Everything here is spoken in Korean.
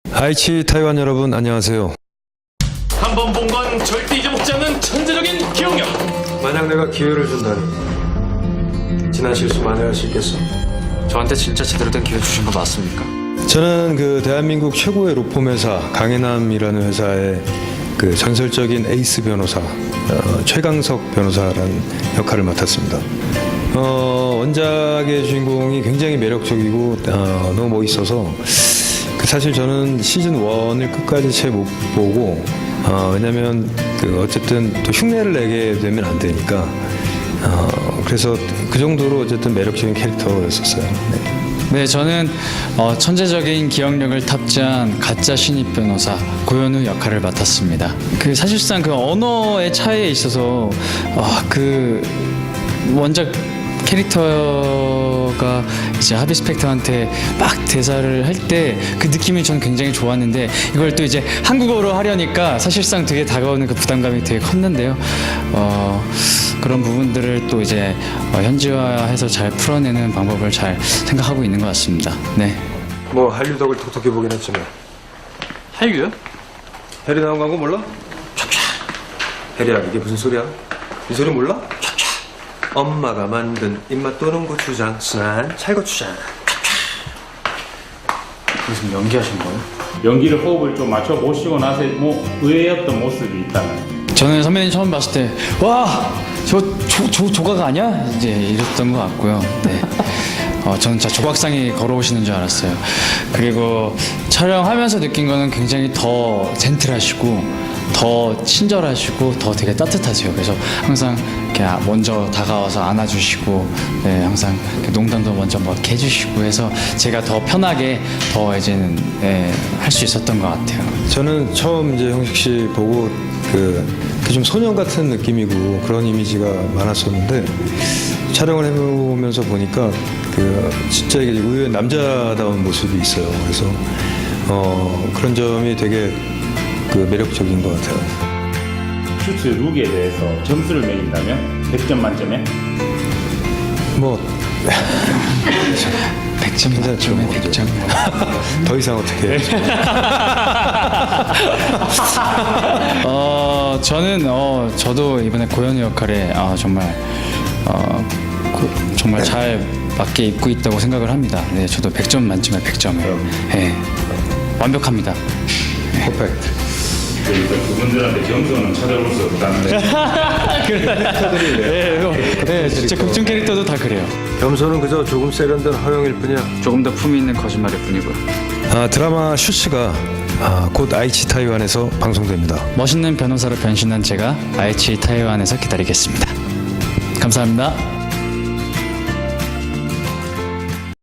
아이치 타이완 여러분 안녕하세요. 한 번 본 건 절대 잊어먹지 않는 천재적인 기억력. 만약 내가 기회를 준다면 지난 실수 만회할 수 있겠어? 저한테 진짜 제대로 된 기회 주신 거 맞습니까? 저는 그 대한민국 최고의 로펌 회사 강해남이라는 회사의 그 전설적인 에이스 변호사 최강석 변호사라는 역할을 맡았습니다. 원작의 주인공이 굉장히 매력적이고 너무 멋있어서 사실 저는 시즌 1을 끝까지 채 못 보고 왜냐면 그 어쨌든 또 흉내를 내게 되면 안 되니까 그래서 그 정도로 어쨌든 매력적인 캐릭터였었어요. 네, 저는 천재적인 기억력을 탑재한 가짜 신입 변호사 고현우 역할을 맡았습니다. 그 사실상 그 언어의 차이에 있어서 그 원작 캐릭터가 이제 하비 스펙터한테 막 대사를 할 때 그 느낌이 저는 굉장히 좋았는데 이걸 또 이제 한국어로 하려니까 사실상 되게 다가오는 그 부담감이 되게 컸는데요. 그런 부분들을 또 이제 현지화해서 잘 풀어내는 방법을 잘 생각하고 있는 것 같습니다. 네. 뭐 한류 덕을 톡톡히 보긴 했지만 한류요? 해리 나온 광고 몰라? 해리야 이게 무슨 소리야? 이 소리 몰라? 엄마가 만든 입맛 도는 고추장 순한 찰고추장. 무슨 연기하신 거예요? 연기를 호흡을 좀 맞춰 보시고 나서 뭐 의외였던 모습이 있다면 저는 선배님 처음 봤을 때 와, 저 조각 아니야? 이제 이랬던 것 같고요. 네. 저는 진짜 조각상이 걸어오시는 줄 알았어요. 그리고 촬영하면서 느낀 거는 굉장히 더 젠틀하시고 더 친절하시고 더 되게 따뜻하세요. 그래서 항상 이렇게 먼저 다가와서 안아주시고, 네, 항상 이렇게 농담도 먼저 뭐 이렇게 해주시고 해서 제가 더 편하게 더 이제는 할 수 있었던 것 같아요. 저는 처음 이제 형식 씨 보고 그 좀 소년 같은 느낌이고 그런 이미지가 많았었는데 촬영을 해보면서 보니까 그 진짜 이게 의외의 남자다운 모습이 있어요. 그래서 그런 점이 되게 그 매력적인 것 같아요. 슈트 룩에 대해서 점수를 매긴다면 100점 만점에 뭐 100점 괜찮죠, 만점에 뭐. 100점. 더 이상 어떻게 해야죠? 저는 저도 이번에 고현우 역할에 정말 정말 잘 맞게 입고 있다고 생각을 합니다. 네, 저도 100점 만점에 100점을. 네, 완벽합니다. 퍼펙트. 그래서 그분들한테 점수는 찾아볼 수 없다는데 네, 진짜 극중 캐릭터도 다 그래요. 겸손은 그저 조금 세련된 허용일 뿐이야. 조금 더 품위 있는 거짓말일 뿐이고요. 드라마 슈츠가 곧 아이치 타이완에서 방송됩니다. 멋있는 변호사로 변신한 제가 아이치 타이완에서 기다리겠습니다. 감사합니다.